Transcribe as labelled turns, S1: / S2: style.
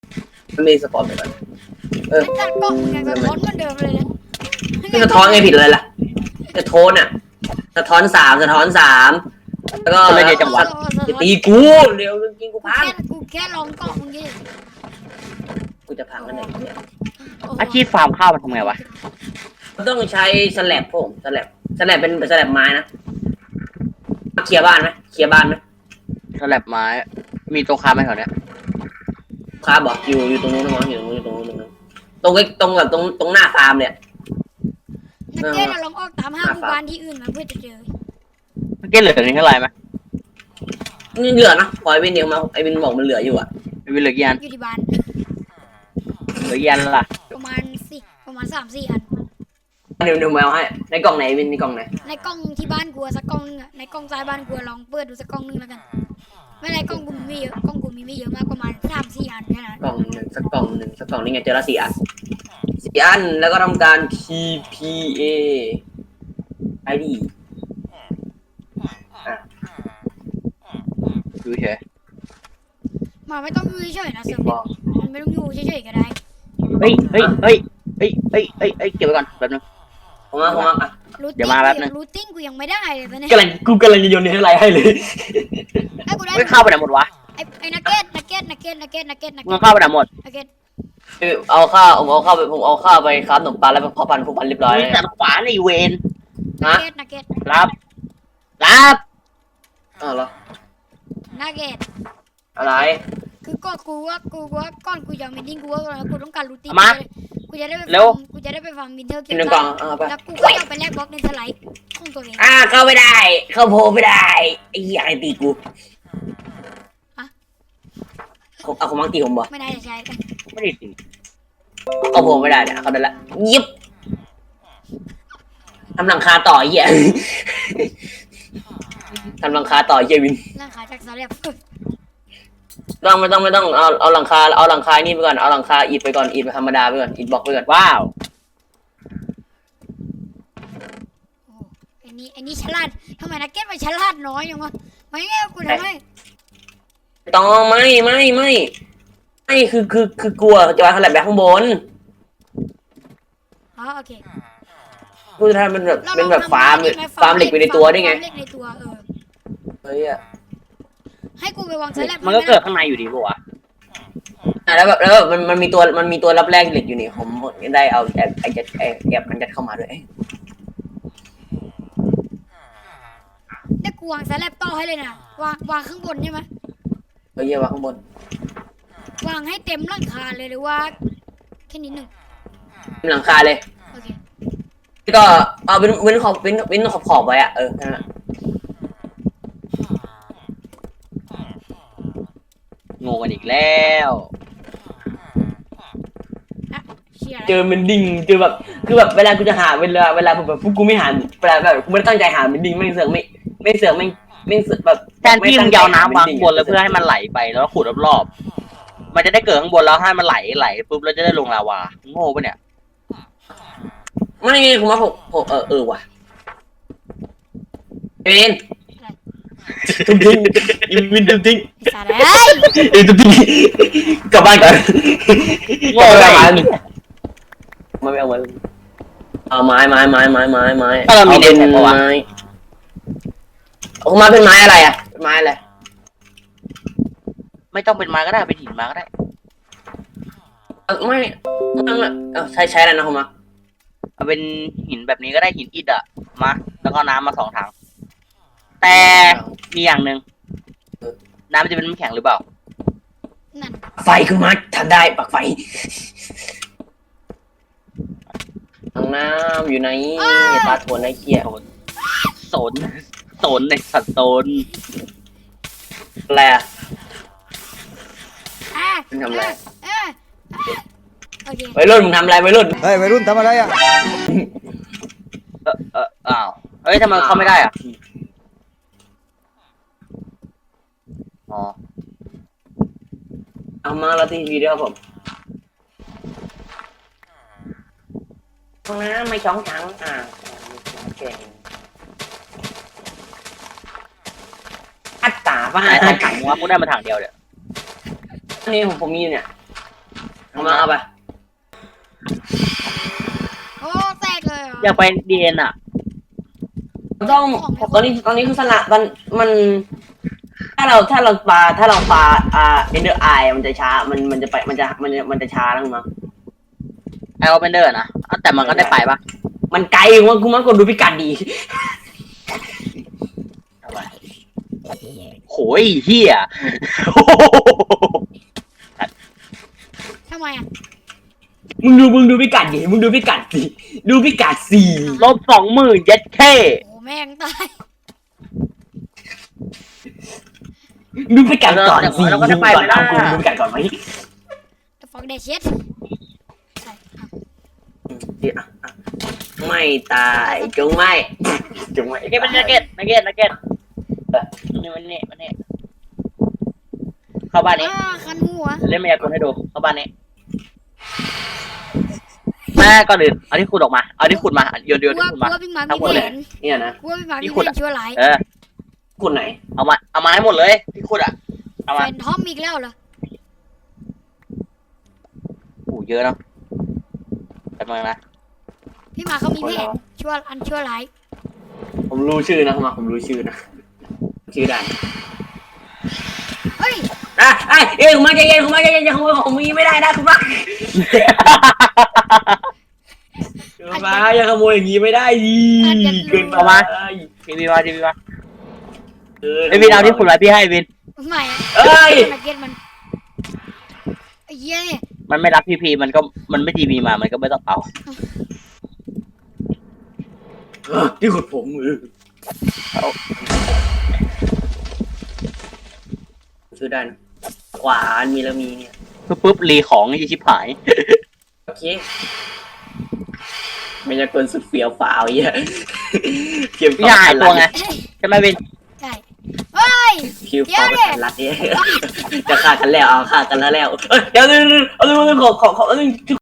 S1: มันมีสปอร์ตไปก่อน
S2: ไอ้จัดกล้องมึงยังสะท้อนเหมือนเดิมเลยนะ
S1: ไม่สะท้อนไงผิดเลยล่ะจะโทนอ่ะสะท้อนสามแล้วก็ตีกูเร็วจริงกูพัง
S2: กูแค่ลองกล้องมึงดิ
S1: กูจะพังกันไหนเนี่ย
S3: อาชีพฟาร์มข้าวมันทำไงวะ
S1: มันต้องใช้สแลบผมสแลบเป็นสแลบไม้นะเคลียร์บ้านไหม
S3: สลับไม้มีตัวค้าไหมแถวเนี้ย
S1: ครับบอกอยู่ตรงนู้นนะมั้งอยู่ตรงนู้นตรงแบบตรงหน้าฟาร์มเนี่ย
S2: นักเก็ตเราลองออกตามห้างหมู่บ้านที่อื่นมาเพื่อจะเจอ
S3: เมื่อกี้เหลือนี่เท่าไหร่ไหม
S1: นี่เหลือนะพอไอ้วินเดียวมาไอ้วินบอกมันเหลืออยู่อ่ะ
S3: มีเหลือกี่อัน
S2: อยู่ที่บ้าน
S3: เหลือกี่อันล่ะ
S2: ประมาณ3-4 อัน
S1: เดี๋ยวมาเอาให้ในกล่องไหนวินในกล่องไหน
S2: ในกล้องที่บ้านกูสักกล้องนึงอะในกล้องซ้ายบ้านกูลองเปิดดูสักกล้องนึงแล้วกันไม่ในกล้องกูมีไม่เยอะกล้องกูมีไม่เยอะมากประมาณ3-4 อันแค่นั้น
S1: กล่องหนึ่งสักกล่องนี่ไงเจอละ4 อันแล้วก็ทำการ TPA ID
S3: ดูเฉย
S2: มาไม่ต้องอยู่เฉยๆนะเสริมมันไม่ต้องอยู่เฉยๆก็ได้
S3: เก็บไว้ก่อนแป๊บนึง
S1: ผมมาอ่ะ
S3: เดี๋ยวมาแป๊บนึง
S2: รูทติ้งกูยังไม่ได้เลยตอนนี้
S1: กำลังจะโยนให้ไรให้เลย
S2: ไอ้กูได้
S3: ไม่เข้าไปไหนหมดวะ
S2: ไอ้นักเก็ต
S3: มึงเข้าไปไหนหมด
S2: นักเก็ต
S1: เอาข้าวไปครับขนมปังแล้วพอพันเรียบร้อย
S3: มีแต่ขวาในเวน
S1: นะ
S2: นักเก็ต
S3: รับ
S1: อ้าวเหรอ
S2: นักเก็ต
S1: อะไร
S2: คือก็กูว่าก่อนกูยังไม่ดิ้งกูว่ากูต้องการรูทติ้งกูจะได้ไปฟังวินเทอร์เก็บ
S1: หนึ่งกล่องไป
S2: แล้วกูก็เอาไปแลกบล็อกในสไลด์ของตัวเอง
S1: เข้าไม่ได้ เข้าโพไม่ได้ไอ้เหี้ยไอ้ตีกูเอาของมังตีผมบ่
S2: ไม่ได้จะใช้
S3: ไม่ได้สิ
S1: เข้าโพไม่ได้เนี่ยเขาได้ละยิบทำหลังคาต่อเหี้ยทำหลังคาต่อเหี้ยวิน
S2: ร่างกายจากสาเรียบ
S1: ไม่ต้องเอาหลังคานี่ไปก่อนเอาหลังคาอิฐไปก่อนอิฐธรรมดาไปก่อนอิฐบล็อกไปก่อน
S3: ว้าว
S2: ไอ้นี่ฉลาดทำไมนักเก็ตมันฉลาดน้อยอย่างวะไม่ไงกูทำไม
S1: ต้องไม่คือกลัวจะวางขนาดแบบข้างบน
S2: อ๋อโอเค
S1: กูจะทำเป็นแบบฟาร์มเหล็กไปในตัวได้ไง
S2: ฟาร์มเหล็กในตัว
S1: เฮ้ยอะ
S2: ให้กูไปวางสแลบ
S3: มันก็เกิดข้างในอยู่ดีป่ะ
S1: แล้วมันมีตัวรับแรกเหล็กอยู่นี่ผมได้เอาแอบมันยัดเข้ามาด้วย
S2: ได้กูวางสแลบต่อให้เลยนะวางข้างบนใช่ไหม
S1: เฮ้ยวางข้างบน
S2: วางให้เต็มหลังคาเลยหรือว่าแค่นิดหนึ่ง
S1: หลังคาเลย
S2: โอเค
S1: ก็เอาเว้นขอบไว้อะนั่นแหละ
S3: งงกันอีกแล้ว
S2: เชียร์
S1: เจอมันดิ่งเจอแบบคือแบบเวลากูจะหาเวลาแบบพวกกูไม่หาเวลาแบบกูไม่ตั้งใจหามันดิ่งไม่เสือกแบบ
S3: แทนที่มึงยาวน้ำวางบนแล้วเพื่อให้มันไหลไปแล้วขุดรอบๆมันจะได้เกิดข้างบนแล้วให้มันไหลปุ๊บแล้วจะได้ลงลาวาโง่ปะเนี่ย
S1: ไม่ผมว่าผมว่ะเอ็นตุ้มทิ้งวินตุ้มทิ้ง
S2: สาระ
S1: ตุ้มทิ้งกลับบ้านก่อน
S3: โง่เลย
S1: ไม่เอาไว้เอาไม้
S3: ถ้าเรามีเน็ตแข็งปะวะ
S1: เอามาเป็นไม้อะไรอ่ะเป็นไม้อะไร
S3: ไม่ต้องเป็นไม้ก็ได้เป็นหินมาก็ได้
S1: ไม่ใช้อะไรนะคุณมา
S3: เอาเป็นหินแบบนี้ก็ได้หินอิฐอะมาแล้วก็น้ำมา2 ถังแต่มีอย่างหนึ่งน้ำมันจะเป็นน้ำแข็งหรือเปล่า
S2: นั่น
S1: ไฟคือมาทำได้ปักไฟถังน้ำอยู่ในปลาทวนไอ้เขี้ย
S3: โซนในสัตว์โซน
S1: อะไรอ่ะ
S2: อ่ะ
S1: มึงทำอะไร
S2: โอเค
S1: วัยรุ่นมึงทำอะไรวัยรุ่น
S4: เฮ้ยวัยรุ่นทำอะไรอ่ะ
S3: อ้าวเฮ้ยทำไมเข้าไม่ได้อ่ะอ๋อ
S1: เอามาแล้วทีวีด้วยครับผมห้องน้ำไม่ช่องถังเก่งอัตตาป่ะ
S3: ไหนถังวะกูได้มาถังเดียวเดี๋ยว
S1: นี่ผมมีเนี่ยเอามาเอาไป
S2: โอ้แตกเลยเหรอ
S3: อยากไปดีเอ็นอ่ะ
S1: ต้องตอนนี้คือสนะมันถ้าเราปาเอนเดอร์ไอมันจะช้ามันจะช้าแล้วมั้ง
S3: ไอโอเปนเดอร์นะแต่มันก็ได้ไปปะ
S1: มันไกลว่ากูมันกดดูพิกัดดี
S3: โหยเฮีย
S2: ทำไมอ่ะ
S1: มึงดูพิกัดดิมึงดูพิกัดสิดูพิกัดสี่
S3: -20,000เย็ดแค่
S2: โอ้แม่งตาย
S1: ดูพิกัดก่อนสิดูพิกัดก่อนไหม
S2: แต่ฟอกเดชเช็ดใช่อ่ะ
S1: ไม่ตายจงไม่
S3: นักเก็ตนักเก็ตนี่เข้าบ้านนี้
S2: คันหัว
S3: เล่นมายากลให้ดูเข้าบ้านนี้แม่ก่อนอื่นเอาที่ขุดออกมาเอาที่ขุดมาโยน
S2: กลั
S3: ที่ขุดมา
S2: วพี่หมา
S3: ทั้
S2: มี
S3: งหมด
S2: แผ
S3: เลย
S2: น
S1: เนี่ยนะ
S2: กลัวพี่หมามี
S3: ที่
S2: แผ
S3: ขุด
S2: น
S3: อะ
S2: ชั่วร้าย
S1: คุณไหน
S3: เอามาให้หมดเลยที่ขุดอะเอา
S2: แฟ
S3: มาน
S2: ทอมอีกแล้วเหรอ
S3: โอ้เยอะเนาะแป๊บนึงนะ
S2: พี่หมาเขามีแผนชั่วร้าย
S1: ผมรู้ชื่อนะคุณมาผมรู้ชื่อนะชื่อได้
S2: เฮ้ย
S1: คุณมาใจเย็นคุณมาใจเย็นอย่าขโมยของมีไม่ได้นะคุณมาคุณมาอย่าขโมยอย่างนี้ไม่ได้ดิเกินไป
S3: ทีวีมาไอวินเอาที่ขุดไว้พี่ให้วิน
S2: ใหม่
S1: เอ้ย
S2: นักเก็ตมันไอ้เหี้ยเนี่ย
S3: มันไม่รับพีมันไม่ทีวีมามันก็ไม่ต้องเอา
S1: ที่ขุดผมชื่อได้นะขวานมีแล้วมีเนี่ย
S3: ปุ๊บรีของยี่ชิบหาย
S1: โอเคไม่ใช่คนสุดเฟี้ยวฟ้าวเหี้ยเพียง
S3: พี่หายตัวไงใช่ไหมวิน
S2: ใช่เฮ้ย
S1: คิวฟอร์รัดเนี่ยจะฆ่ากันแล้วเอาฆ่ากันแล้วเดี๋ยวขอ